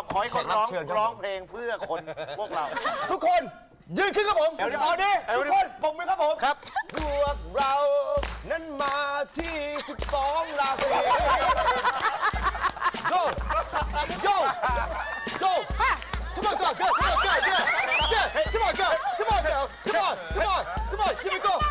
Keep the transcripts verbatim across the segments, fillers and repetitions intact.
อบขอให้คนร้องร้องเพลงเพื่อคนพวกเราทุกคนยืนขึ้นครับผมเดี๋ยวดิเอาดิเดี๋ยวทุดิกคนปมมือครับผมครับพวกเรานั้นมาที่สิบสองราศีโยโยโย Come on, go, go, go, go, go, go, come on, go, come on, girl, come on, come on, come on, here we go.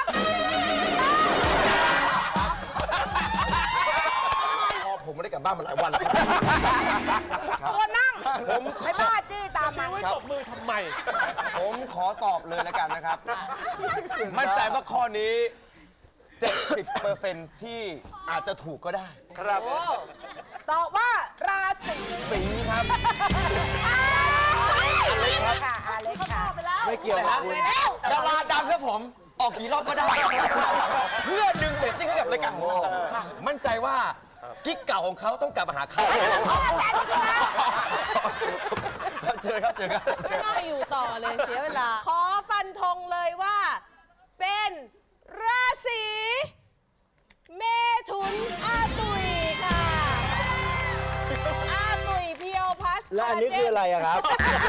พอผมไม่ได้กลับบ้านมาหลายวันแล้วตัวนั่งผมไม่บ้าจี้ตามมันตบมือทำไม ผมขอตอบเลยแล้วกันนะครับ มั่นใจว่าข้อนี้ เจ็ดสิบเปอร์เซ็นต์ ที่อาจจะถูกก็ได้ครับตอบว่าราศีสิงห์ครับอาเล็กค่ะอาเล็กค่ะไม่เกี่ยวนะดาราดังครับผม ออกกี่รอบก็ได้ เพื่อดึงเรตติ้งให้กับรายการของเรา มั่นใจว่ากิ๊กเก่าของเขาต้องกลับมาหาเขาเจอครับเจอครับไม่น่าอยู่ต่อเลยเสียเวลา ขอฟันธงเลยว่า เป็นราศีเมถุนอาตุยค่ะ อาตุยเพียวพัสแล้วอันนี้คืออะไรอะครับ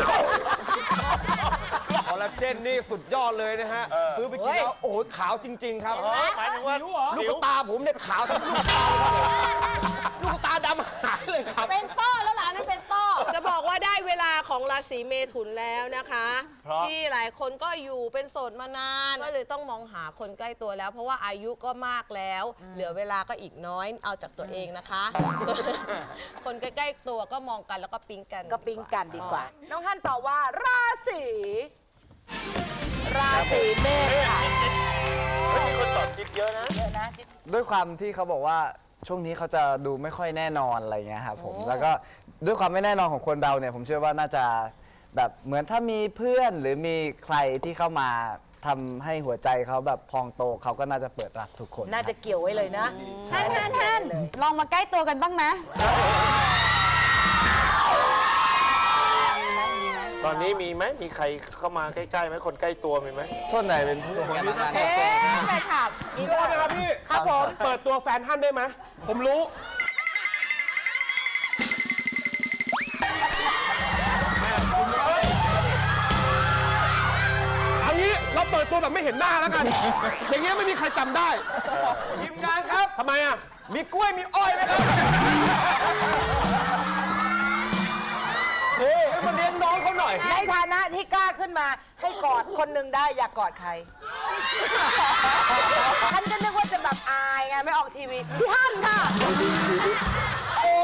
คอลลาเจนนี่สุดยอดเลยนะฮะ ซื้อไปกินแล้ว โอ้โหขาวจริง ๆ ครับหมายถึงว่าลูกตาผมเนี่ยขาวทั้งลูกตาเลยลูกตาดำหายเลยครับเป็นต้อแล้วหลานนั่นเป็นต้อ จะบอกว่าได้เวลาของราศีเมถุนแล้วนะคะ ที่หลายคนก็อยู่เป็นโสดมานาน ก็เลยต้องมองหาคนใกล้ตัวแล้ว เพราะว่าอายุก็มากแล้ว เหลือเวลาก็อีกน้อยเอาจากตัวเองนะคะ คนใกล้ๆตัวก็มองกันแล้วก็ปิ๊งกันก็ปิ๊งกันดีกว่า น้องฮั่นตอบว่าราศีราศีเมษค่ะไม่มีคนตอบจิ๊บเยอะนะเยอะนะจิ๊บด้วยความที่เขาบอกว่าช่วงนี้เขาจะดูไม่ค่อยแน่นอนอะไรเงี้ยครับผม แล้วก็ด้วยความไม่แน่นอนของคนเราเนี่ยผมเชื่อว่าน่าจะแบบเหมือนถ้ามีเพื่อนหรือมีใครที่เข้ามาทำให้หัวใจเขาแบบพองโตเขาก็น่าจะเปิดรับทุกคนน่าจะเกี่ยวไว้เลยนะแท่นแท่นแท่นลองมาใกล้ตัวกันบ้างไหมตอนนี้มีไหมมีใครเข้ามาใกล้ๆไหมคนใกล้ตัวมีไหมส่วนไหนเป็นเพื่อนกันบ้างเอ๊ะแฟนคลับมีโทษนะครับพี่ครับผมเปิดตัวแฟนท่านได้ไหม ผมรู้ เอางี้เราเปิดตัวแบบไม่เห็นหน้าแล้วกัน อย่างเงี้ยไม่มีใครจำได้ทีมงานครับทำไมอ่ะ มีกล้วยมีอ้อยไหมครับ เฮ้ยมาเลี้ยงน้องเขาหน่อยในฐานะที่กล้าขึ้นมาให้กอดคนหนึ่งได้อยากกอดใคร ฉันก็นึกว่าจะแบบอายไงไม่ออกทีวีพี่ฮั่นค่ะโอ้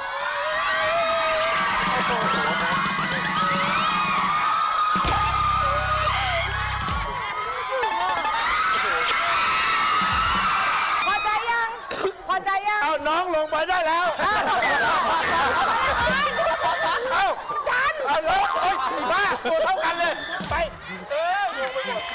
พอใจยัง พอใจยังเอาน้องลงไปได้แล้ว เอ้าจันเอาเลยเอ้ยอีบ้าตัวเท่ากันเลย ไป เออลงไปหมด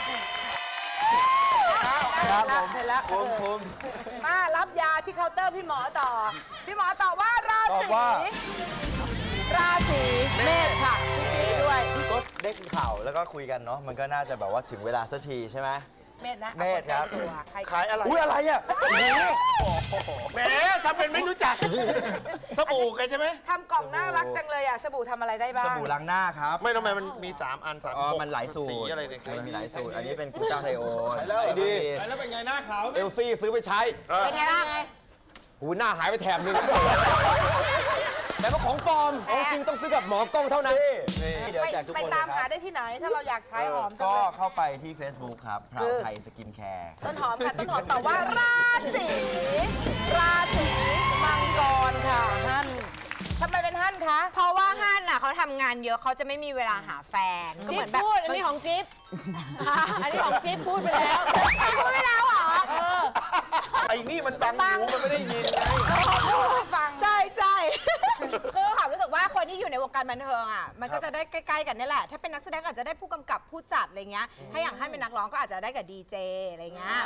ครับผมเสร็จแล้วภูมิภูมิมารับยาที่เคาน์เตอร์พี่หมอต่อ พี่หมอตอบว่าราศีราศีเมษค่ะพี่จิ๊บด้วยก็ได้ข่าวแล้วก็คุยกันเนาะมันก็น่าจะแบบว่าถึงเวลาสักทีใช่ไหมเมษนะเมษครับใครขายอะไรอุ้ยอะไรอ่ะแหมทำเป็นไม่รู้จัก สบู่กันใช่ไหมทำกล่องน่ารักจังเลยอ่ะสบู่ทำอะไรได้บ้างสบู่ล้างหน้าครับไม่ทำไมมันมีสามอันสามอ๋อหกมันหลายสูตรสีอะไรเนี่ยมันมีหลายสูตร อันนี้เป็นกูต้าไทโอแล้วดีแล้วเป็นไงหน้าขาวเอลซี่ซื้อไปใช้เป็นไงบ้างหูหน้าหายไปแถบนึง แต่ว่าของปลอม ของจริงต้องซื้อกับหมอกล้องเท่านั้นนี่เดี๋ยวไปแจกทุกไปคนตามเลยคหารับได้ที่ไหนถ้าเราอยากใช้หอมจังก็เลยเข้าไปที่ Facebook ครับพราวไทยสกินแคร์ต้นหอมค่ะต้นหอมตอบว่าราศีราศีมังกรค่ะฮั่นทำไมเป็นฮั่นคะเพราะว่าฮั่นน่ะเขาทำงานเยอะเขาจะไม่มีเวลาหาแฟนก็จิ๊เหมืบอนแบบพูด อันนี้ของจิ๊บ อันนี้ของจิ๊บพูดไปแล้วพูดไม่แล้วเหรอไอ้นี่มันบังหูมันไม่ได้ยินไงฟังใช่ใช่คือความรู้สึกว่าคนที่อยู่ในวงการบันเทิงอ่ะมันก็จะได้ใกล้ๆกันนี่แหละ ถ้าเป็นนักแสดงก็อาจจะได้ผู้กำกับผู้จัดอะไรเงี้ยถ้าอย่างให้เป็นนักร้องก็อาจจะได้กับดีเจอะไรเงี้ย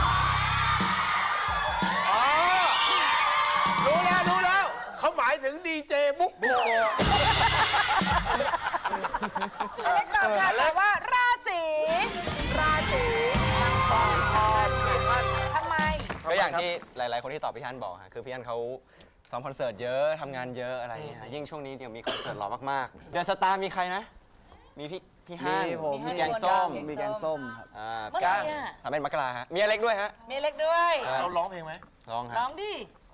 รู้แล้วรู้แล้ว เขาหมายถึงดีเจบุ๊กโบอเล็กตอบค่ะตอบว่าราศีราศีมังกรทำไมก็อย่างที่หลาย ๆ คนที่ตอบพี่ฮันบอกฮะคือพี่ฮันเขาซ้อมคอนเสิร์ตเยอะทำงานเยอะอะไรอย่างเงี้ยยิ่งช่วงนี้เดี๋ยวมีคอนเสิร์ตรอมากๆเดือนสตาร์มีใครนะ มีพี่พี่ฮั่นมีผมมีแกงส้มมีแกงส้มครับอ่าเมื่อไหร่อะสามเป็นมกราฮะมีอเล็กด้วยฮะมีเล็กด้วยเราร้องเพลงไหมร้องฮะร้องดิ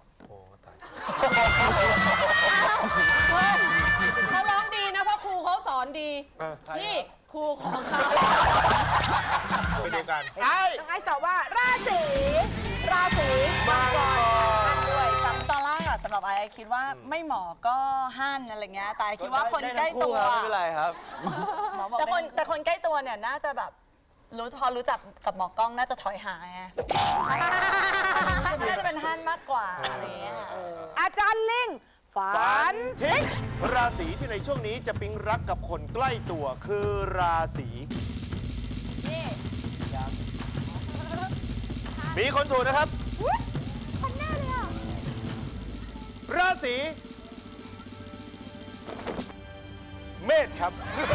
เขาร้องดีนะเพราะครูเขาสอนดี นี่ครูของเขาไปดูกันน้องไอซ์ตอบว่าราศีราศีมังกรท่านด้วยซ้ำตอนแรกอะสำหรับไอซ์คิดว่าไม่หมอก็ฮั่นอะไรเงี้ยแต่ไอซ์คิดว่าคนใกล้ตัวไม่เป็นไรครับหมอบอกแต่คนแต่คนใกล้ตัวเนี่ยน่าจะแบบรู้พอรู้จักกับหมอกล้องน่าจะถอยหาไงน่าจะเป็นฮั่นมากกว่าอะไรเงี้ยอาจารย์ลิงฝันทิศราศีที่ในช่วงนี้จะปิ๊งรักกับคนใกล้ตัวคือราศีมีคนถูกนะครับคนแน่เลยอ่ะราศีเมษครับ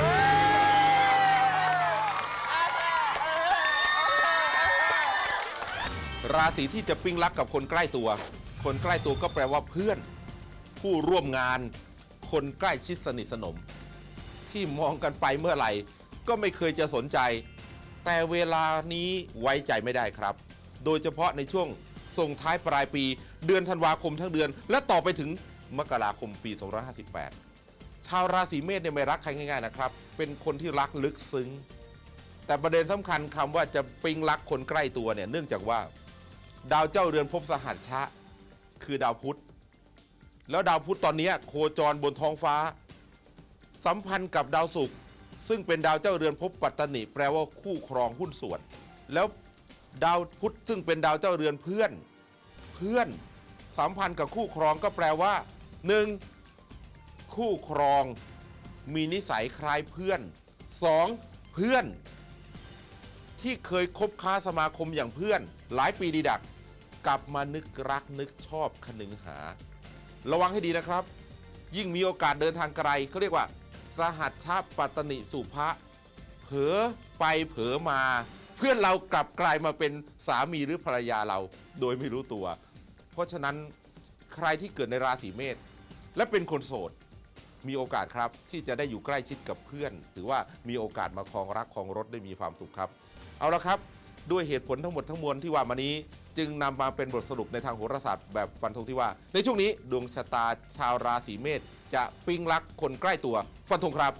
ราศีที่จะปิ๊งรักกับคนใกล้ตัว คนใกล้ตัวก็แปลว่าเพื่อน ผู้ร่วมงาน คนใกล้ชิดสนิทสนม ที่มองกันไปเมื่อไหร่ ก็ไม่เคยจะสนใจ แต่เวลานี้ไว้ใจไม่ได้ครับ โดยเฉพาะในช่วงส่งท้ายปลายปี เดือนธันวาคมทั้งเดือน และต่อไปถึงมกราคมปี สองพันห้าร้อยห้าสิบแปด ชาวราศีเมษเนี่ยไม่รักใครง่ายๆนะครับ เป็นคนที่รักลึกซึ้ง แต่ประเด็นสำคัญคำว่าจะปิ๊งรักคนใกล้ตัวเนี่ยเนื่องจากว่า ดาวเจ้าเรือนภพสหัชชะคือดาวพุธ แล้วดาวพุธตอนนี้โคจรบนท้องฟ้า สัมพันธ์กับดาวศุกร์ซึ่งเป็นดาวเจ้าเรือนภพปัตตนิแปลว่าคู่ครองหุ้นส่วน แล้วดาวพุธซึ่งเป็นดาวเจ้าเรือนเพื่อน เพื่อนสัมพันธ์กับคู่ครองก็แปลว่าหนึ่งคู่ครองมีนิสัยคล้ายเพื่อนสองเพื่อนที่เคยคบค้าสมาคมอย่างเพื่อนหลายปีดีดักกลับมานึกรักนึกชอบคนึงหา ระวังให้ดีนะครับ ยิ่งมีโอกาสเดินทางไกลเขาเรียกว่าสหัชชะปัตตนิสุภะเผลอไปเผลอมา เพื่อนเรากลับกลายมาเป็นสามีหรือภรรยาเราโดยไม่รู้ตัว เพราะฉะนั้นใครที่เกิดในราศีเมษและเป็นคนโสดมีโอกาสครับที่จะได้อยู่ใกล้ชิดกับเพื่อนถือว่ามีโอกาสมาครองรักครองรถได้มีความสุขครับเอาละครับด้วยเหตุผลทั้งหมดทั้งมวลที่ว่ามานี้จึงนำมาเป็นบทสรุปในทางโหราศาสตร์แบบฟันธงที่ว่าในช่วงนี้ดวงชะตาชาวราศีเมษจะปิ๊งรักคนใกล้ตัวฟันธงครับ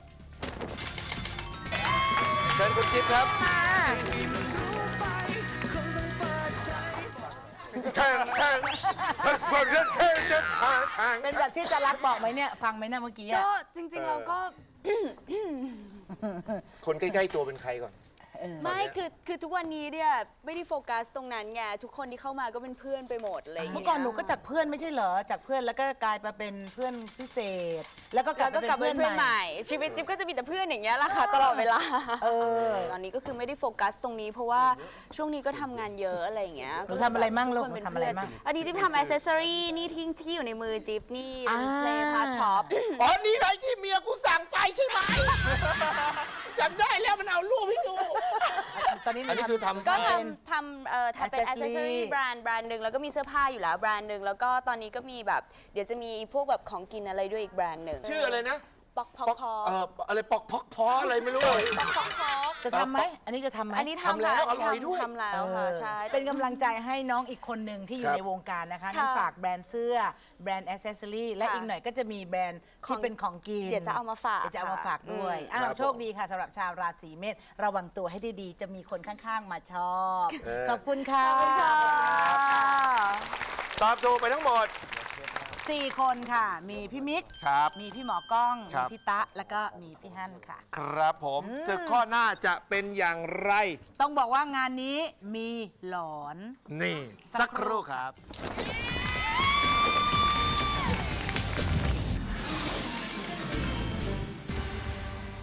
เชิญคุณจิ๊บครับแทงแทงแทงแทงแทงแทงเป็นแบบที่จะรักบอกไหมเนี่ย ฟังไหมเนี่ยเมื่อกี้ก็อะจริงๆเราก็คนใกล้ๆตัวเป็นใครก่อนไม่คือคือทุกวันนี้เนี่ยไม่ได้โฟกัสตรงนั้นไงทุกคนที่เข้ามาก็เป็นเพื่อนไปหมดอะไรอย่างเมื่เงี้อย ก่อนหนูก็จากเพื่อนไม่ใช่เหรอ จากเพื่อนแล้วก็กลายมาเป็นเพื่อนพิเศษ แล้วก็กลัแล้บวก็กลับมาเป็เป็น นเพื่เพื่ออน นใหใหม่ม่ ชีวิตจิ๊บก็จะมีแต่เพื่อนอย่างเงี้ยแหละค่ะตลอดเวลาเออตอนนี้ก็คือไม่ได้โฟกัสตรงนี้เพราะว่าช่วงนี้ก็ทำงานเยอะอะไรอย่างเงี้ยหนูทำอะไรมั่งลูกทุคนเป็นหนูทำอะไรเพื่นมั่งอันนี้จิ๊บทำอ c เซสซอรี่นี่ที่ที่อยู่ในมือจิ๊บนี่เป็นเพลงพาร์ทพ็อปอ๋อ นี่ไงที่เมียกูสั่งไปใช่ไหมจำได้แล้วมันเอารูปให้ดูตอนนี้หอันนี้คือทำก็เป็นทำทำเอ่อทำเป็น accessory accessory แบรนด์แบรนด์หนึ่งแล้วก็มีเสื้อผ้าอยู่แล้วแบรนด์หนึ่งแล้วก็ตอนนี้ก็มีแบบเดี๋ยวจะมีพวกแบบของกินอะไรด้วยอีกแบรนด์หนึ่งชื่ออะไรนะปอกพอกพอกเอ่ออะไรปอกพอกพออะไรไม่รู้เลยปอกพอกพอกจะทำไหม อันนี้จะทำไหมอันนี้ทำทำแล้วค่ะนนี้อร่อยด้วยทำแล้วค่ะใช่เป็นกำลังใจให้น้องอีกคนหนึ่งที่อยู่ครับในวงการนะคะค่ะนั่นฝากแบรนด์เสื้อ แบรนด์อ c เซสซอรี่และค่ะอีกหน่อยก็จะมีแบรนด์ที่เป็นของกินเดี๋ยวจะเอามาฝากเดี๋ยวจะเอามาค่ะฝากด้วยอืมอ้าครัวบโชคดีค่ะสำหรับชาวราศีเมษระวังตัวให้ดีๆ จะมีคนข้างๆมาชอบเออขอบคุณค่ะตอบถูกไปทั้งหมดสี่คนค่ะ มีพี่มิกครับมีพี่หมอกล้องครัมีบพี่ตะ แล้วก็มีพี่ฮั่นค่ะครับผมศึกข้อหน้าจะเป็นอย่างไรต้องบอกว่างานนี้มีหลอนนี่ สักครู่ครับ